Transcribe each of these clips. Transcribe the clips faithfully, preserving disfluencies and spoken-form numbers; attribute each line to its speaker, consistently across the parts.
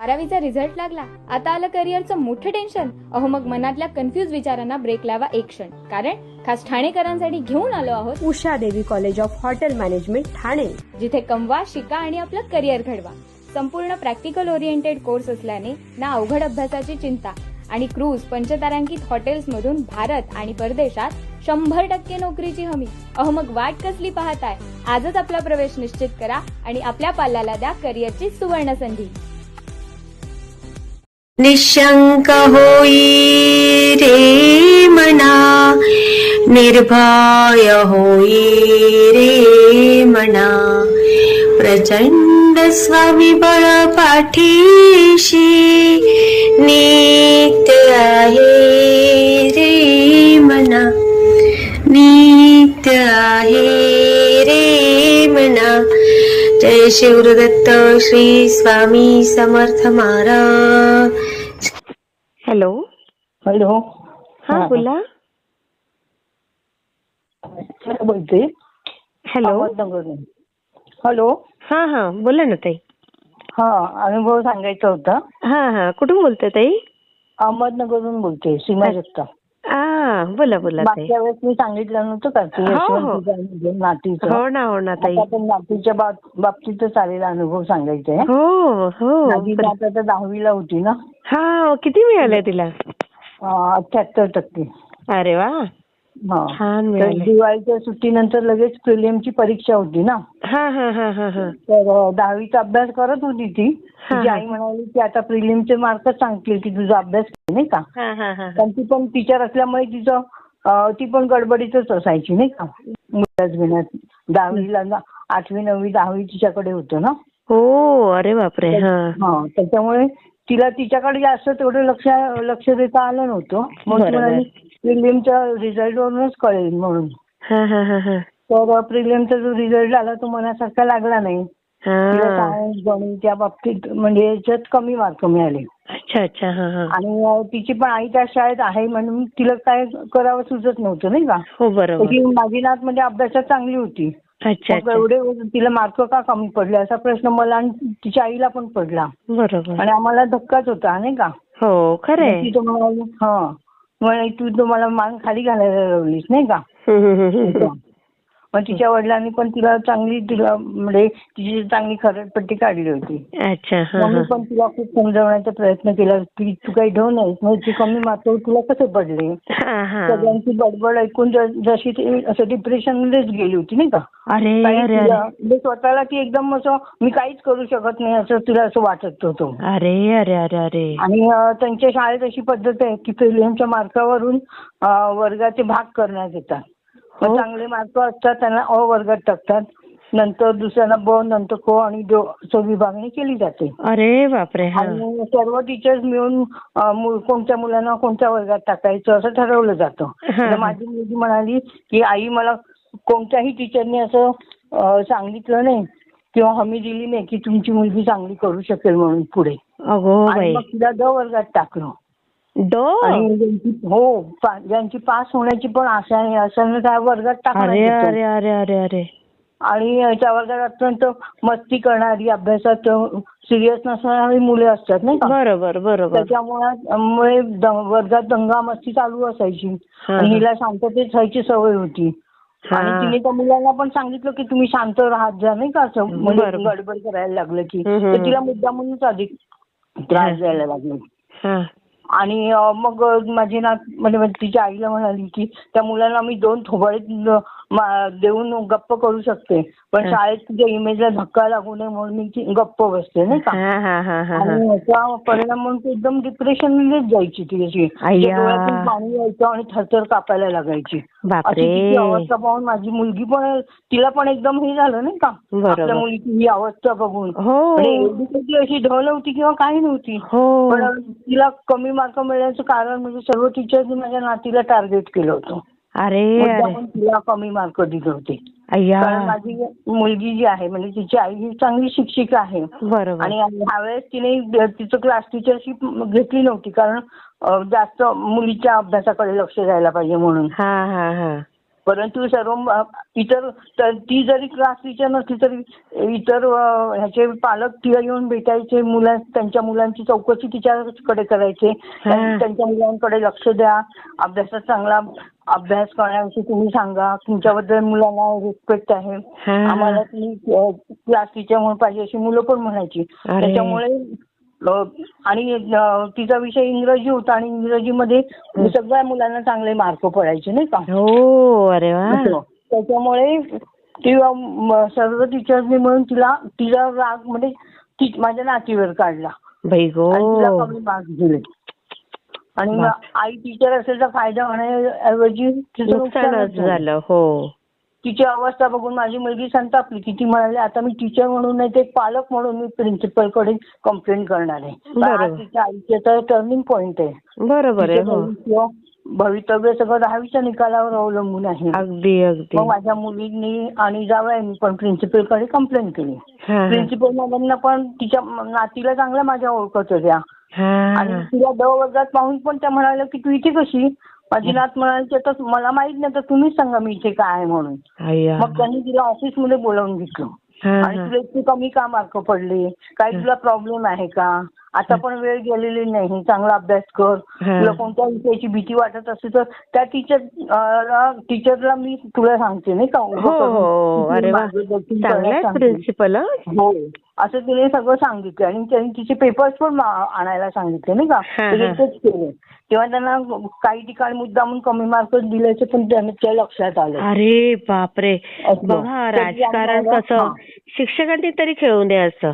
Speaker 1: बारावीचा रिझल्ट लागला, आता आलं करिअरचं मोठं टेन्शन. अहो मग मनातल्या कन्फ्युज विचारांना ब्रेक लावा एक क्षण, कारण खास ठाणेकरांसाठी घेऊन आलो आहोत
Speaker 2: Usha Devi college of hotel management Thane,
Speaker 1: जिथे कमवा, शिका आणि आपलं करिअर घडवा. संपूर्ण प्रॅक्टिकल ओरिएंटेड कोर्स असल्याने ना अवघड अभ्यासाची चिंता आणि क्रूज पंचतारांकित हॉटेल्समधून भारत आणि परदेशात शंभर टक्के नोकरीची हमी. अहो मग वाट कसली पाहताय? आजच आपला प्रवेश निश्चित करा आणि आपल्या पाल्याला द्या करिअरची सुवर्ण संधी.
Speaker 3: निशंक होई रे मना, निर्भय होई रे मना, प्रचंड स्वामीबळ पाठीशी नित्य आहे रे मना, नित्य आहे रे मना. जय शिवदत्त श्री स्वामी समर्थ महाराज.
Speaker 2: Hello
Speaker 4: hello.
Speaker 2: हा बोला.
Speaker 4: काय बोलते?
Speaker 2: हॅलो.
Speaker 4: अहमदनगरहून. हॅलो.
Speaker 2: हा हा बोला ना ताई.
Speaker 4: हा, अनुभव सांगायचा होता.
Speaker 2: हा हा कुठून बोलते ताई?
Speaker 4: अहमदनगरहून बोलते, सीमा जगताप.
Speaker 2: हा बोला बोला ताई.
Speaker 4: मागच्या वेळेस मी सांगितलं नव्हतं का की
Speaker 2: हो, हो.
Speaker 4: यशवंतीचं आणि नातीचं.
Speaker 2: हो ना हो ना ताई.
Speaker 4: आता पण नातीच्या बाब- बाबतीतच आलेला अनुभव सांगायचा आहे.
Speaker 2: हो हो.
Speaker 4: माझी नात आता दहावीला होती ना.
Speaker 2: हा किती मिळाले तिला?
Speaker 4: अठ्याहत्तर टक्के.
Speaker 2: अरे वा,
Speaker 4: हा.
Speaker 2: छान
Speaker 4: तर
Speaker 2: मिळाले.
Speaker 4: दिवाळीच्या सुट्टीनंतर लगेच प्रिलियमची परीक्षा होती ना.
Speaker 2: हा हा हा हा हा.
Speaker 4: तर अ, दहावीचा अभ्यास करत होती ती.
Speaker 2: हा,
Speaker 4: तिची
Speaker 2: हा.
Speaker 4: आई म्हणाली की आता प्रिलिमचे मार्कच सांगतील की तुझा अभ्यास कर, नाही का.
Speaker 2: हा हा हा.
Speaker 4: पण ती पण टीचर असल्यामुळे तिचं अ, ती पण गडबडीतच असायची नाही का, मुलाच घेण्यात. दहावीला ना आठवी नववी दहावी तिच्याकडे होतं ना.
Speaker 2: हो अरे बापरे. हा
Speaker 4: हा, त्याच्यामुळे तिला तिच्याकडे जास्त तेवढं लक्ष लक्ष देता आलं नव्हतं. मग ती
Speaker 2: बरोबर.
Speaker 4: म्हणाली प्रिलिमच्या रिझल्टवरूनच कळेल म्हणून.
Speaker 2: हा हा हा हा.
Speaker 4: तर प्रिलिमचा जो रिझल्ट आला तो मनासारखा लागला नाही. तिला
Speaker 2: हा.
Speaker 4: सायन्स गणित त्या बाबतीत म्हणजे याच्यात कमी मार्क मिळाले.
Speaker 2: अच्छा अच्छा. हा हा.
Speaker 4: आणि अ, तिची पण आई त्या शाळेत आहे म्हणून तिला काय करावं सुचत नव्हतं नाही का.
Speaker 2: हो बरोबर.
Speaker 4: ती माझी नात म्हणजे अभ्यासात चांगली होती.
Speaker 2: अच्छा
Speaker 4: मग
Speaker 2: अच्छा.
Speaker 4: एवढे तिला मार्क का कमी पडले असा प्रश्न मला आणि तिच्या आईला पण पडला.
Speaker 2: बरोबर.
Speaker 4: आणि आम्हाला धक्काच होता नाही का.
Speaker 2: हो खरंय.
Speaker 4: मग ती तर म्हणाली हा म्हणे तू तुम्हाला मान खाली घालायला लावलीस नाही का.
Speaker 2: हम्म, हम्म, हम्म, हम्म.
Speaker 4: मग तिच्या वडिलांनी पण तिला चांगली तिला म्हणजे तिची चांगली खरडपट्टी काढली होती.
Speaker 2: अच्छा. हा
Speaker 4: मग मी
Speaker 2: हा.
Speaker 4: पण तिला खूप समजावण्याचा प्रयत्न केला की तू काही ढो नाहीस, म्हणजे कमी मार्क तुला कसे पडले.
Speaker 2: हा हा.
Speaker 4: सगळ्यांची बडबड ऐकून ज- जशी ती असं डिप्रेशन मध्येच गेली होती नाही का.
Speaker 2: अरे
Speaker 4: काही
Speaker 2: अरे
Speaker 4: तिला-
Speaker 2: अरे.
Speaker 4: म्हणजे स्वतःला ती एकदम असं मी काहीच करू शकत नाही असं तिला असं वाटत होतं.
Speaker 2: अरे अरे अरे अरे.
Speaker 4: आणि अ, त्यांच्या शाळेत अशी पद्धत आहे की प्रिलियमच्या मार्कावरून अ, वर्गाचे भाग करण्यात येतात. मग
Speaker 2: हो.
Speaker 4: चांगले मार्क असतात त्यांना अ वर्गात टाकतात, नंतर दुसऱ्याला ब, नंतर क आणि ड असं विभागणी केली जाते.
Speaker 2: अरे बापरे. हा.
Speaker 4: आणि सर्व टीचर्स मिळून अ, मु- कोणत्या मुलांना कोणत्या वर्गात टाकायचं असं ठरवलं जातं.
Speaker 2: हा.
Speaker 4: तर माझी मुलगी म्हणाली की आई मला कोणत्याही टीचरने असं अ, सांगितलं नाही किंवा हमी दिली नाही की तुमची मुलगी चांगली करू शकेल म्हणून पुढे.
Speaker 2: अगो
Speaker 4: आणि
Speaker 2: बाई.
Speaker 4: मग तिला ड वर्गात टाकलं.
Speaker 2: डो.
Speaker 4: आणि ज्यांची- हो पा- ज्यांची पास होण्याची पण आशा आहे असं त्या वर्गात टाकण्यात
Speaker 2: अरे
Speaker 4: येतं.
Speaker 2: अरे अरे अरे अरे.
Speaker 4: आणि त्या वर्गात अत्यंत मस्ती करणारी, अभ्यासात सिरियस नसणारी मुले असतात नाही का.
Speaker 2: बरोबर बरोबर.
Speaker 4: त्याच्यामुळे मुळे द- वर्गात दंगा मस्ती चालू असायची.
Speaker 2: हा,
Speaker 4: आणि
Speaker 2: हा.
Speaker 4: हिला शांततेत राहायची सवय होती.
Speaker 2: हा.
Speaker 4: आणि तिने त्या मुलांना पण सांगितलं की तुम्ही शांत राहत जा नाही का, असं म्हणजे
Speaker 2: बरोबर.
Speaker 4: गडबड करायला लागलं की.
Speaker 2: हम्म, हम्म.
Speaker 4: तर तिला मुद्दामूनच अधिक त्रास द्यायला लागले.
Speaker 2: हा.
Speaker 4: आणि अ, मग माझी नात म्हणजे म्हणजे तिच्या आईला म्हणाली की त्या मुलांना मी दोन थोबाडे देऊन गप्प करू शकते, पण
Speaker 2: हा.
Speaker 4: शाळेत तुझ्या इमेजला धक्का लागू नये म्हणून मी ती गप्प बसते नाही का.
Speaker 2: हा हा हा हा हा.
Speaker 4: आणि याचा परिणाम म्हणून ती एकदम डिप्रेशन मध्येच जायची ती अशी.
Speaker 2: अय्या.
Speaker 4: तिच्या डोळ्यातून पाणी यायचं आणि थरथर कापायला लागायची. अशी
Speaker 2: बापरे.
Speaker 4: तिची अवस्था पाहून माझी मुलगी पण तिला पण एकदम हे झालं नाही का,
Speaker 2: बरोबर.
Speaker 4: आपल्या मुलीची ही अवस्था बघून.
Speaker 2: हो.
Speaker 4: म्हणजे एवढी काही अशी ढळ नव्हती किंवा काही नव्हती,
Speaker 2: हो.
Speaker 4: पण तिला कमी मार्क मिळण्याचं कारण म्हणजे सर्व टीचरनी माझ्या नातीला टार्गेट केलं होतं.
Speaker 2: अरे अरे.
Speaker 4: मुद्दामून तिला कमी मार्क दिले होते.
Speaker 2: अय्या.
Speaker 4: कारण माझी मुलगी जी आहे म्हणजे तिची आई ही चांगली शिक्षिका आहे.
Speaker 2: बरोबर.
Speaker 4: आणि ह्यावेळेस तिने तिचं क्लास टीचरशिप घेतली नव्हती कारण अ, जास्त मुलीच्या अभ्यासाकडे लक्ष द्यायला पाहिजे म्हणून.
Speaker 2: हा हा हा.
Speaker 4: परंतु सर्व म- इतर तर ती जरी क्लास टीचर नसली तरी इतर अ, ह्याचे पालक तिला येऊन भेटायचे, मुला त्यांच्या मुलांची चौकशी तिच्याकडे करायचे, त्यां- त्यांच्या मुलांकडे लक्ष द्या, अभ्यासात चांगला अभ्यास करण्याविषयी तुम्ही सांगा, तुमच्याबद्दल मुलांना रिस्पेक्ट आहे, आम्हाला ती क्लास टीचर म्हणून पाहिजे अशी मुलं पण म्हणायची.
Speaker 2: अरे.
Speaker 4: त्याच्यामुळे अ, आणि अ, तिचा विषय इंग्रजी होता आणि इंग्रजीमध्ये सगळ्या मुलांना चांगले मार्क पडायचे नाही का.
Speaker 2: हो. अरे वा.
Speaker 4: त्याच्यामुळे ती अ, म- सर्व टीचर्सनी म्हणून तिला तिला राग म्हणजे ती माझ्या नातीवर काढला
Speaker 2: बाई गो.
Speaker 4: आणि तिला कमी मार्क्स दिले. आणि मग
Speaker 2: बाप.
Speaker 4: आई टीचर असेल तर फायदा होण्याऐवजी तिचं
Speaker 2: नुकसानच
Speaker 4: नुकसानच झालं.
Speaker 2: झालं. हो.
Speaker 4: तिची अवस्था बघून माझी मुलगी संतापली की ती म्हणाली आता मी टीचर म्हणून नाही ते पालक म्हणून मी प्रिन्सिपलकडे कंप्लेंट करणार आहे.
Speaker 2: बरोबर.
Speaker 4: आज तिच्या आईचे तर टर्निंग पॉइंट आहे.
Speaker 2: बरोबर आहे.
Speaker 4: तिचं
Speaker 2: हो.
Speaker 4: भविष्य भवितव्य सगळं दहावीच्या निकालावर अवलंबून आहे.
Speaker 2: अगदी अगदी.
Speaker 4: मग माझ्या मुलींनी आणि जावयांनी पण प्रिन्सिपलकडे कंप्लेंट केली.
Speaker 2: हा, हा.
Speaker 4: प्रिन्सिपल मॅडमना पण तिच्या नातीला चांगल्या माझ्या ओळखत होत्या
Speaker 2: हा,
Speaker 4: आणि
Speaker 2: हा.
Speaker 4: तिला द वर्गात पाहून पण त्या म्हणाल्या की तू इथे कशी. माझी नात म्हणाली तर मला माहित नाही तर तुम्हीच सांगा मी इथे काय आहे म्हणून.
Speaker 2: अय्या.
Speaker 4: मग त्यांनी तिला ऑफिसमध्ये बोलावून घेतलं
Speaker 2: हा,
Speaker 4: आणि
Speaker 2: हा.
Speaker 4: तुला इतके कमी का मार्क पडले, काही तुला प्रॉब्लेम आहे का, आता पण वेळ गेलेली नाही, चांगला अभ्यास कर,
Speaker 2: हा.
Speaker 4: तुला कोणत्या विषयाची भीती वाटत असेल तर त्या टीचर टीचरला मी तुला सांगते नाही का उभं
Speaker 2: हो
Speaker 4: करून
Speaker 2: हो.
Speaker 4: तिची
Speaker 2: अरे वा.
Speaker 4: मार्गदर्शन
Speaker 2: चांगला
Speaker 4: करण्यास
Speaker 2: आहे
Speaker 4: सांगते.
Speaker 2: प्रिन्सिपल.
Speaker 4: हो असं तिने सगळं सांगितलं आणि त्यांनी तिचे पेपर्स पण मा- आणायला सांगितले नाही का.
Speaker 2: हा,
Speaker 4: ते
Speaker 2: हा.
Speaker 4: तेच केले तेव्हा त्यांना काही ठिकाणी मुद्दामून कमी मार्क दिल्याचे पण त्यांच्या लक्षात आलं.
Speaker 2: अरे बापरे.
Speaker 4: असं.
Speaker 2: बघा
Speaker 4: तर
Speaker 2: राजकारण
Speaker 4: आम्हाला-
Speaker 2: कसं
Speaker 4: हा.
Speaker 2: शिक्षकांनी तरी खेळून द्यायचं.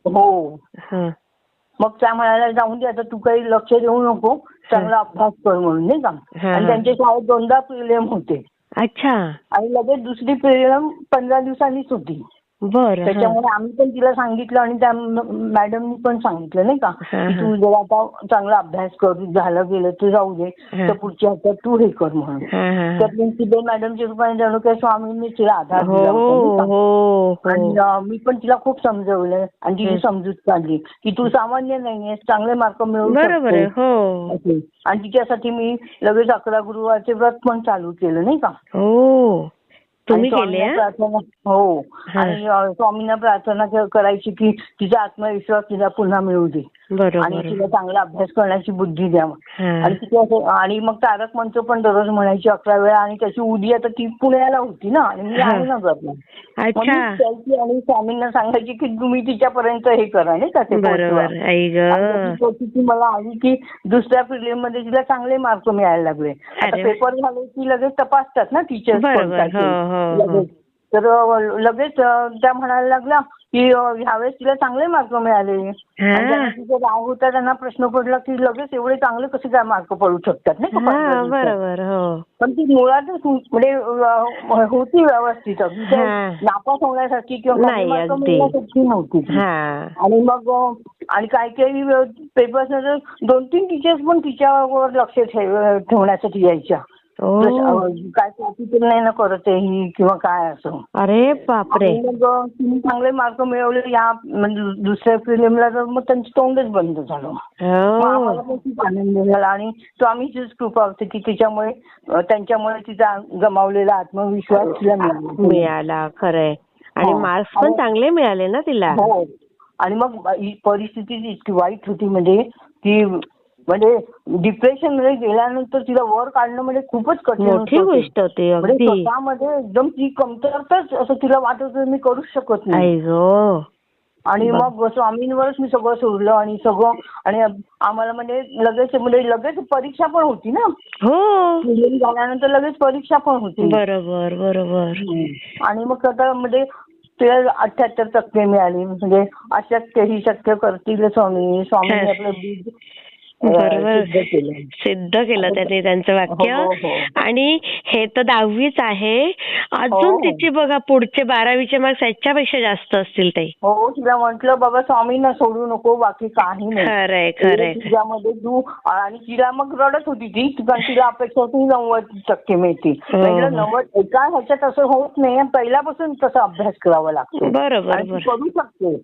Speaker 4: हो
Speaker 2: हा.
Speaker 4: मग त्या म्हणायला जाऊन दे आता तू काही लक्ष देऊ नको, चांगला अभ्यास कर म्हणून नाही का.
Speaker 2: हा,
Speaker 4: आणि
Speaker 2: हा.
Speaker 4: त्यांच्या शाळेत दोनदा प्रिलियम होते
Speaker 2: अच्छा.
Speaker 4: आणि लगेच दुसरी प्रिलियम पंधरा दिवसांनीच होती.
Speaker 2: बरं. हा.
Speaker 4: त्याच्यामुळे आम्ही पण तिला सांगितलं आणि त्या मॅडमनी पण सांगितलं नाही का
Speaker 2: हा,
Speaker 4: की
Speaker 2: हा.
Speaker 4: तू जर आता चांगला अभ्यास कर, झालं गेलं तर जाऊ दे,
Speaker 2: हा.
Speaker 4: तर पुढच्या ह्याच्यात तू हे कर म्हणून.
Speaker 2: हा, हा,
Speaker 4: तर
Speaker 2: हा.
Speaker 4: प्रिन्सिपल मॅडमच्या रूपाने जणू काही स्वामींनी तिला आधार
Speaker 2: हो
Speaker 4: दिला होता नाही का.
Speaker 2: हो
Speaker 4: आणि
Speaker 2: हो.
Speaker 4: अं, मी पण तिला खूप समजवलं आणि तिची
Speaker 2: हं.
Speaker 4: समजूत काढली की तू सामान्य नाहीयेस, चांगले मार्क मिळवू
Speaker 2: बरोबर आहे.
Speaker 4: शकते
Speaker 2: हो
Speaker 4: असे. आणि तिच्यासाठी मी लगेच अकरा गुरुवारचे व्रत पण चालू केलं नाही का.
Speaker 2: हो. तुम्ही
Speaker 4: आणि
Speaker 2: केले
Speaker 4: स्वामींना
Speaker 2: हा?
Speaker 4: प्रार्थना हो
Speaker 2: हा.
Speaker 4: आणि अं, स्वामींना प्रार्थना क- करायची की तिचा आत्मविश्वास तिला पुन्हा मिळू दे आणि
Speaker 2: बरोबर.
Speaker 4: तिला चांगला अभ्यास करण्याची बुद्धी द्या.
Speaker 2: हा.
Speaker 4: आणि तिथे असं आणि मग तारक मंत्र पण दररोज म्हणायची अकरा वेळा आणि त्याची उदी आता ती पुण्याला होती ना आणि मी
Speaker 2: हा.
Speaker 4: आहे ना घरला. मग
Speaker 2: अच्छा.
Speaker 4: मी जायची आणि स्वामींना सांगायची की तुम्ही तिच्यापर्यंत हे करा नाही का ते पोहोचवा.
Speaker 2: बरोबर. आई ग.
Speaker 4: आणि त्याची परिस्थिती मला आली की दुसऱ्या प्रिलियम मध्ये तिला चांगले मार्क मिळायला लागले. आता
Speaker 2: अरे वा.
Speaker 4: पेपर झाले की लगेच तपासतात ना टीचर्स पण
Speaker 2: बरोबर.
Speaker 4: त्याचे.
Speaker 2: हो हो हो.
Speaker 4: लगेच. तर अं, लगेच अं, त्या म्हणायला लागल्या की अं, ह्यावेळेस तिला चांगले मार्क मिळाले. आणि
Speaker 2: हा.
Speaker 4: ज्यांना तिचा राग होता त्यांना प्रश्न पडला की लगेच एवढे चांगले कसे काय मार्क पडू शकतात नाही का पंधरा
Speaker 2: हा.
Speaker 4: दिवसात.
Speaker 2: बरोबर. हो.
Speaker 4: पण ती मुळातच हु- म्हणजे अं, होती व्यवस्थित अगदी काही
Speaker 2: हा.
Speaker 4: नापास होण्यासाठी किंवा कमी
Speaker 2: नाही,
Speaker 4: मार्क
Speaker 2: अगदी.
Speaker 4: मिळण्यासाठी नव्हती ती.
Speaker 2: हा.
Speaker 4: आणि मग अं, आणि काही काही पेपर्स दोन तीन टीचर्स पण तिच्यावर लक्ष ठेव- ठेवण्यासाठी यायच्या.
Speaker 2: ओ.
Speaker 4: अं, काय कॉपी तर नाही ना करत आहे ही किंवा काय असं.
Speaker 2: अरे बापरे.
Speaker 4: आणि मग अं, तिने चांगले मार्क मिळवले या म्हणजे दुसऱ्या प्रिलियमला तर मग त्यांचं तोंडच बंद झालं. मग आम्हाला
Speaker 2: हो.
Speaker 4: पण खूप आनंद झाला आणि स्वामीचीच कृपा होती की तिच्यामुळे अं, त्यांच्यामुळे तिचा गमावलेला आत्मविश्वास तिला मिळाला.
Speaker 2: मिळाला. खरंय. आणि
Speaker 4: हो.
Speaker 2: मार्क्स पण
Speaker 4: आणि-
Speaker 2: चांगले मिळाले ना तिला.
Speaker 4: हो आणि मग ही परिस्थिती इतकी वाईट होती म्हणजे की म्हणजे डिप्रेशन मध्ये गेल्यानंतर तिला वर काढणं म्हणजे खूपच कठीण
Speaker 2: मोठी
Speaker 4: होतं.
Speaker 2: गोष्ट होती
Speaker 4: म्हणजे
Speaker 2: अगदी.
Speaker 4: स्वतःमध्ये एकदम ती कमतरताच असं तिला वाटत होतं मी करूच शकत नाही.
Speaker 2: आई गो.
Speaker 4: आणि
Speaker 2: बर.
Speaker 4: मग स्वामींवरच मी सगळं सोडलं आणि सगळं आणि आम्हाला म्हणजे लगेच म्हणजे लगेच परीक्षा पण होती ना.
Speaker 2: हो.
Speaker 4: डिलिव्हरी झाल्यानंतर लगेच परीक्षा पण होती.
Speaker 2: बरोबर बरोबर.
Speaker 4: आणि मग आता म्हणजे ते अठ्ठ्याहत्तर टक्के मिळाले म्हणजे अशक्य ही शक्य करतील स्वामी स्वामींनी आपलं बीज अं,
Speaker 2: बरोबर.
Speaker 4: सिद्ध केलं.
Speaker 2: सिद्ध केलं त्याने त्यांचं वाक्य.
Speaker 4: हो, हो.
Speaker 2: आणि हे तर दहावीच आहे. अजून
Speaker 4: हो.
Speaker 2: तिची बघा पुढचे बारावीचे मार्क्स याच्यापेक्षा जास्त असतील ते.
Speaker 4: हो तिला म्हटलं बाबा स्वामींना सोडू नको बाकी काही नाही.
Speaker 2: खरंय खरंय.
Speaker 4: तुझ्यामध्ये तू आणि तिला मग रडत होती ती कारण तिला अपेक्षा होती नव्वद टक्के मिळतील.
Speaker 2: हो.
Speaker 4: म्हटलं नव्वद एका ह्याच्यात असं होत नाही पहिल्यापासून तसा अभ्यास करावा लागतो
Speaker 2: बरोबर
Speaker 4: आणि ती
Speaker 2: बरोबर.
Speaker 4: करू शकते.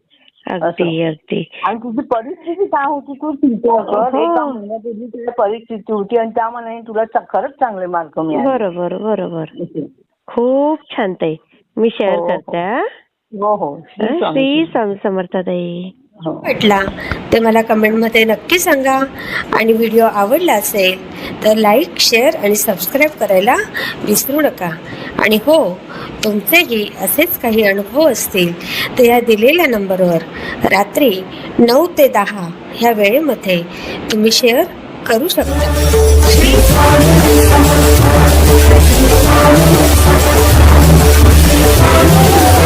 Speaker 2: अगदी अगदी.
Speaker 4: आणि तुझी परिस्थिती काय होती तू चिंता कर.
Speaker 2: हो.
Speaker 4: एका महिन्यापूर्वी तुझी परिस्थिती होती आणि त्या मनाने तुला चा- खरंच चांगले मार्क मिळाले.
Speaker 2: बरोबर बरोबर. खूप छान ताई. मी शेअर
Speaker 4: हो, हो.
Speaker 2: करते हा.
Speaker 4: हो हो श्री
Speaker 2: श्री
Speaker 4: स्वामी.
Speaker 2: स्वामी समर्थ ताई.
Speaker 4: हो.
Speaker 3: वाटला ते मला कमेंटमध्ये नक्की सांगा. आणि व्हिडिओ आवडला असेल तर लाईक, शेअर आणि सबस्क्राईब करायला विसरू नका. आणि हो, तुमचेही असेच काही अनुभव असतील तर या दिलेल्या नंबरवर रात्री नऊ ते दहा ह्या वेळेमध्ये तुम्ही शेअर करू शकता. श्री स्वामी समर्थ.